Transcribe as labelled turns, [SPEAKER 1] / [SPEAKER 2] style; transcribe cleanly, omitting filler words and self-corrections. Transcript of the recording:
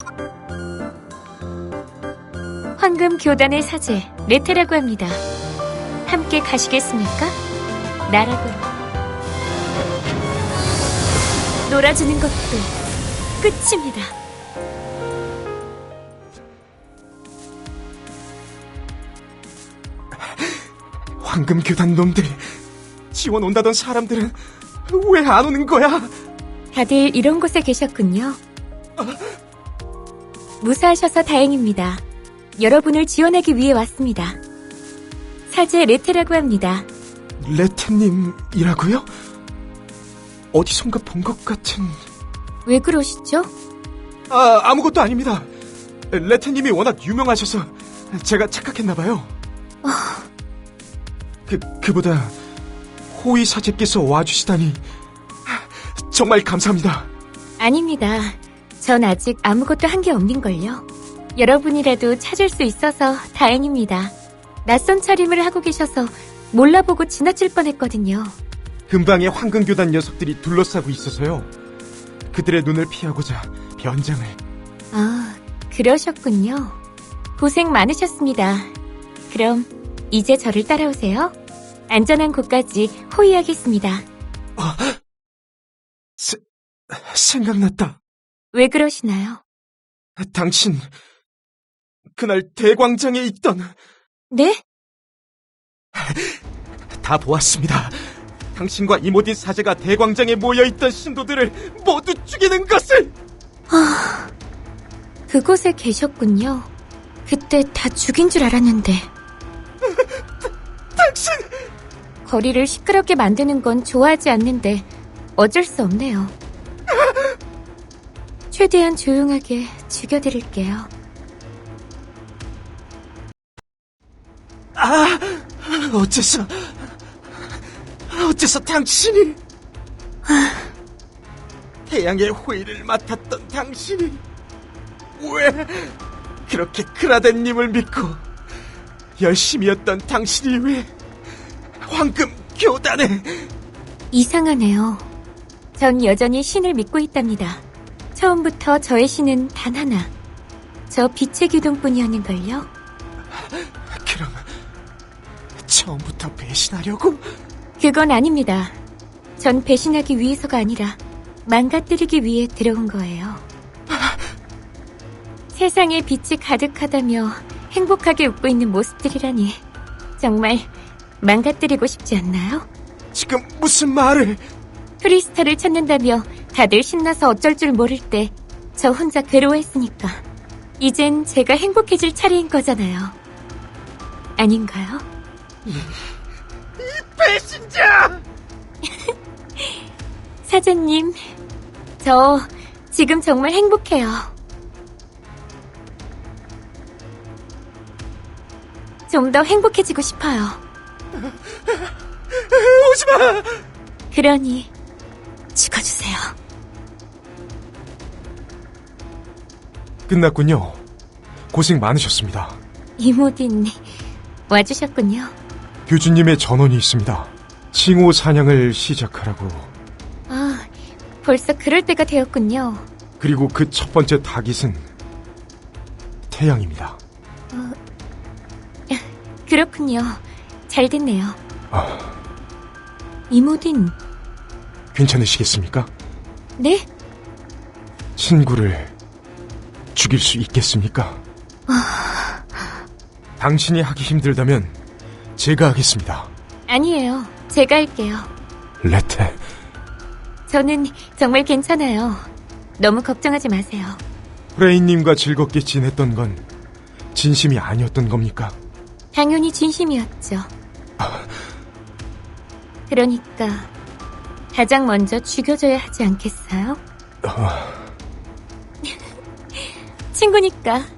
[SPEAKER 1] 황금 교단의 사제 레테라고 합니다. 함께 가시겠습니까? 나락으로. 놀아주는 것도 끝입니다.
[SPEAKER 2] 황금 교단 놈들, 지원 온다던 사람들은 왜 안 오는 거야?
[SPEAKER 1] 다들 이런 곳에 계셨군요. 무사하셔서 다행입니다. 여러분을 지원하기 위해 왔습니다. 사제 레테라고 합니다.
[SPEAKER 2] 레테님이라고요? 어디선가 본 것 같은...
[SPEAKER 1] 왜 그러시죠?
[SPEAKER 2] 아무것도 아닙니다. 레테님이 워낙 유명하셔서 제가 착각했나봐요. 그보다 호위 사제께서 와주시다니 정말 감사합니다.
[SPEAKER 1] 아닙니다. 전 아직 아무것도 한 게 없는걸요. 여러분이라도 찾을 수 있어서 다행입니다. 낯선 차림을 하고 계셔서 몰라보고 지나칠 뻔했거든요.
[SPEAKER 2] 근방에 황금교단 녀석들이 둘러싸고 있어서요. 그들의 눈을 피하고자 변장을...
[SPEAKER 1] 아, 그러셨군요. 고생 많으셨습니다. 그럼 이제 저를 따라오세요. 안전한 곳까지 호위하겠습니다.
[SPEAKER 2] 생각났다.
[SPEAKER 1] 왜 그러시나요?
[SPEAKER 2] 당신, 그날 대광장에 있던...
[SPEAKER 1] 네?
[SPEAKER 2] 다 보았습니다. 당신과 이모딘 사제가 대광장에 모여있던 신도들을 모두 죽이는 것을!
[SPEAKER 1] 그곳에 계셨군요. 그때 다 죽인 줄 알았는데.
[SPEAKER 2] 당신!
[SPEAKER 1] 거리를 시끄럽게 만드는 건 좋아하지 않는데 어쩔 수 없네요. 최대한 조용하게 죽여드릴게요.
[SPEAKER 2] 어째서 당신이... 태양의 호의를 맡았던 당신이 왜 그렇게 크라덴님을 믿고 열심히 했던 당신이 왜 황금 교단에...
[SPEAKER 1] 이상하네요. 전 여전히 신을 믿고 있답니다. 처음부터 저의 신은 단 하나. 저 빛의 기둥뿐이었는걸요.
[SPEAKER 2] 그럼 처음부터 배신하려고?
[SPEAKER 1] 그건 아닙니다. 전 배신하기 위해서가 아니라 망가뜨리기 위해 들어온 거예요. 세상에 빛이 가득하다며 행복하게 웃고 있는 모습들이라니 정말 망가뜨리고 싶지 않나요?
[SPEAKER 2] 지금 무슨 말을...
[SPEAKER 1] 크리스탈을 찾는다며 다들 신나서 어쩔 줄 모를 때 저 혼자 괴로워했으니까 이젠 제가 행복해질 차례인 거잖아요. 아닌가요?
[SPEAKER 2] 이 배신자!
[SPEAKER 1] 사장님, 저 지금 정말 행복해요. 좀 더 행복해지고 싶어요.
[SPEAKER 2] 오지마!
[SPEAKER 1] 그러니 죽어주세요.
[SPEAKER 2] 끝났군요. 고생 많으셨습니다.
[SPEAKER 1] 이모딘 와주셨군요.
[SPEAKER 2] 교주님의 전원이 있습니다. 칭호 사냥을 시작하라고.
[SPEAKER 1] 아, 벌써 그럴 때가 되었군요.
[SPEAKER 2] 그리고 그 첫 번째 타깃은 태양입니다.
[SPEAKER 1] 그렇군요. 잘 됐네요. 이모딘.
[SPEAKER 2] 괜찮으시겠습니까?
[SPEAKER 1] 네?
[SPEAKER 2] 친구를 죽일 수 있겠습니까? 당신이 하기 힘들다면 제가 하겠습니다.
[SPEAKER 1] 아니에요. 제가 할게요.
[SPEAKER 2] 레테.
[SPEAKER 1] 저는 정말 괜찮아요. 너무 걱정하지 마세요.
[SPEAKER 2] 프레인님과 즐겁게 지냈던 건 진심이 아니었던 겁니까?
[SPEAKER 1] 당연히 진심이었죠. 그러니까 가장 먼저 죽여줘야 하지 않겠어요? 친구니까